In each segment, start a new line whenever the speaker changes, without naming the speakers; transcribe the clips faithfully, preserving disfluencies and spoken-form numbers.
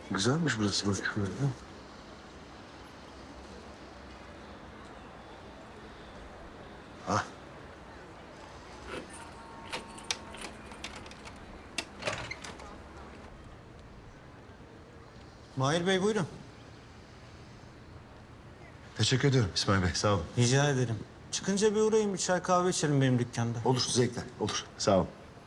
Güzelmiş burası bak. Ah.
Mahir Bey buyurun.
Teşekkür ediyorum İsmail Bey, sağ olun.
Rica ederim. Çıkınca bir uğrayın, bir çay kahve içelim benim dükkanda.
Olur, zevkle, olur. Sağ ol.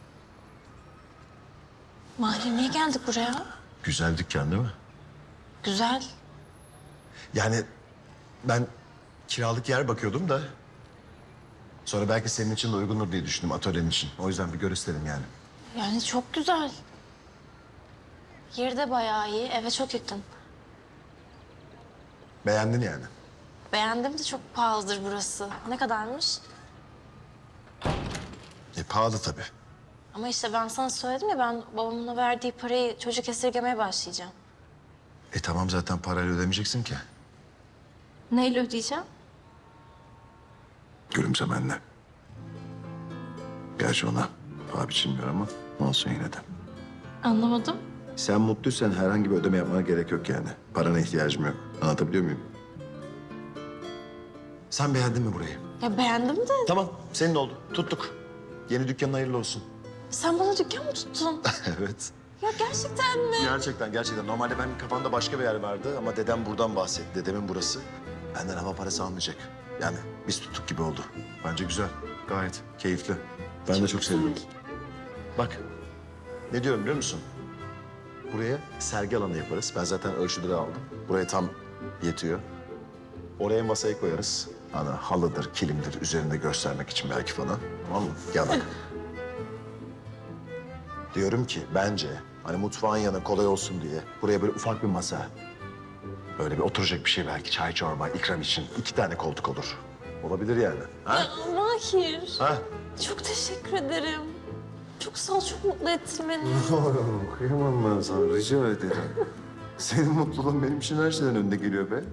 Mahir niye geldik buraya?
Güzel dükkan değil mi?
Güzel.
Yani ben kiralık yer bakıyordum da... ...sonra belki senin için de uygundur diye düşündüm atölyenin için. O yüzden bir gör isterim yani.
Yani çok güzel. Yeri de bayağı iyi, eve çok yakın.
Beğendin yani.
Beğendim de çok pahalıdır burası. Ne kadarmış?
E pahalı tabii.
Ama işte ben sana söyledim ya, ben babamın verdiği parayı çocuk esirgemeye başlayacağım.
E tamam zaten parayla ödemeyeceksin ki.
Neyle ödeyeceğim?
Gülümsemenle. Gerçi ona paha biçilmiyor ama olsun yine de.
Anlamadım.
Sen mutluysan herhangi bir ödeme yapmana gerek yok yani. Parana ihtiyacım yok. Anlatabiliyor muyum? Sen beğendin mi burayı?
Ya beğendim de
Tamam, senin oldu. Tuttuk. Yeni dükkanın hayırlı olsun.
sen bana dükkan mı tuttun?
Evet.
Ya gerçekten mi?
Gerçekten, gerçekten. Normalde benim kafamda başka bir yer vardı ama dedem buradan bahsetti. Dedemin burası. Benden hava parası almayacak. Yani biz tuttuk gibi oldu. Bence güzel. Gayet keyifli. Ben de çok sevdim. Bak, ne diyorum biliyor musun? Buraya sergi alanı yaparız. Ben zaten ölçüleri aldım. Buraya tam yetiyor. Oraya masayı koyarız. Hani halıdır, kilimdir üzerinde göstermek için belki falan. Tamam mı? Gel bak. Diyorum ki bence hani mutfağın yanı kolay olsun diye buraya böyle ufak bir masa. Böyle bir oturacak bir şey belki çay çorba ikram için iki tane koltuk olur. Olabilir yani. Ha?
Ya Mahir,
Ha?
çok teşekkür ederim. Çok sağ ol, çok mutlu ettin beni.
Kıyamam ben sana rica ederim. Senin mutluluğun benim için her şeyden önde geliyor be.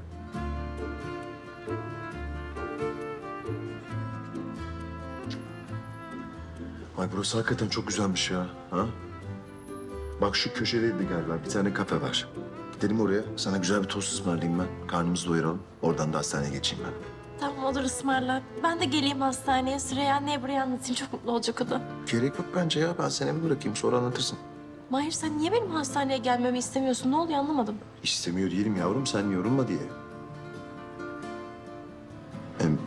Ay burası hakikaten çok güzelmiş ya. Ha? Bak şu köşedeydi galiba bir tane kafe var. Gidelim oraya. Sana güzel bir tost ısmarlayayım ben. Karnımızı doyuralım. Oradan da hastaneye geçeyim ben.
Tamam, olur, ısmarla. Ben de geleyim hastaneye. Süreyya anneye buraya anlatayım. Çok mutlu olacak o da.
Gerek yok bence ya. Ben seni eve bırakayım sonra anlatırsın.
Mahir, sen niye benim hastaneye gelmemi istemiyorsun? Ne oluyor, anlamadım.
İstemiyor değilim yavrum. Sen yorulma diye. Hem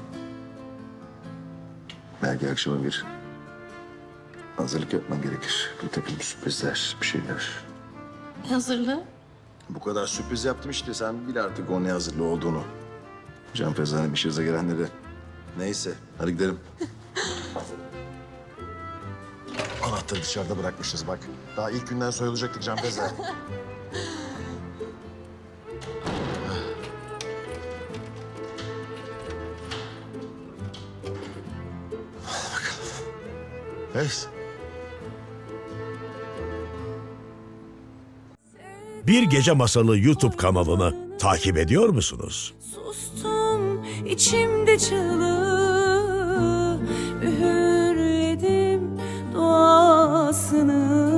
belki akşama bir hazırlık yapman gerekir. Bir takım sürprizler, bir şeyler.
Ne hazırlığı?
Bu kadar sürpriz yaptım işte. Sen bil artık o ne hazırlığı olduğunu. Can Feza'nın işinize gelenleri. Neyse, hadi gidelim. Anahtarı dışarıda bırakmışız bak. Daha ilk günden soyulacaktık Can Feza. Hadi bakalım. Evet.
Bir Gece Masalı YouTube kanalını takip ediyor musunuz?
Sustum içimde çığlığı, üğürledim duasını.